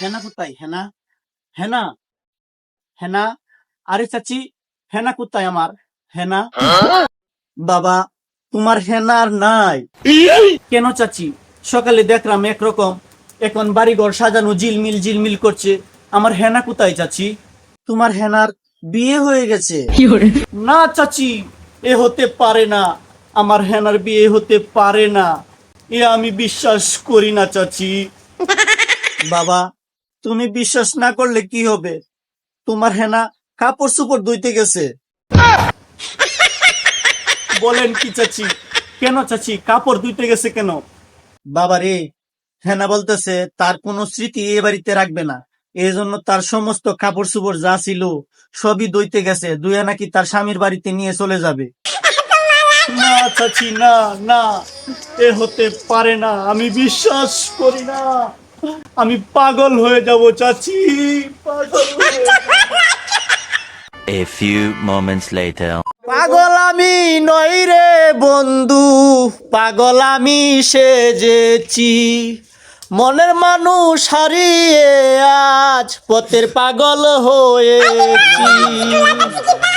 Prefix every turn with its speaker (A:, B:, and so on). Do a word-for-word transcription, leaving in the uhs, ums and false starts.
A: হেনা কোথায়? হেনা, হেনা, হেনা। আরে চাচি, হেনা কোথায় আমার? হেনা। বাবা, তোমার হেনা আর নাই। কেন চাচি? সকালে দেখলাম একরকম, এখন বাড়িঘর সাজানো ঝিলমিল ঝিলমিল করছে। আমার হেনা কোথায় চাচি? তোমার হেনার বিয়ে হয়ে গেছে। না চাচি, এ হতে পারে না। আমার হেনার বিয়ে হতে পারে না। এ আমি বিশ্বাস করি না চাচি। বাবা, তুমি বিশ্বাস না করলে কি হবে? তোমার হেনা কাপড় চোপড় ধুইতে গেছে। বলেন কি চাচি? কেন চাচি কাপড় ধুইতে গেছে কেন? বাবা রে, হেনা বলতেছে তার কোনো স্মৃতি এ বাড়িতে রাখবে না, এই জন্য তার সমস্ত কাপড় চোপড় যা ছিল সবই ধুইতে গেছে, ধুয়ে নাকি তার স্বামীর বাড়িতে নিয়ে চলে যাবে। না চাচি, না না, এ হতে পারে না, আমি বিশ্বাস করি না। আমি পাগল হয়ে যাব চাচি, পাগল হয়ে যাব।
B: A few moments later.
A: পাগল আমি নই রে বন্ধু, পাগল আমি সেজেছি। মনের মানুষ হারিয়ে আজ পথের পাগল হয়েছি।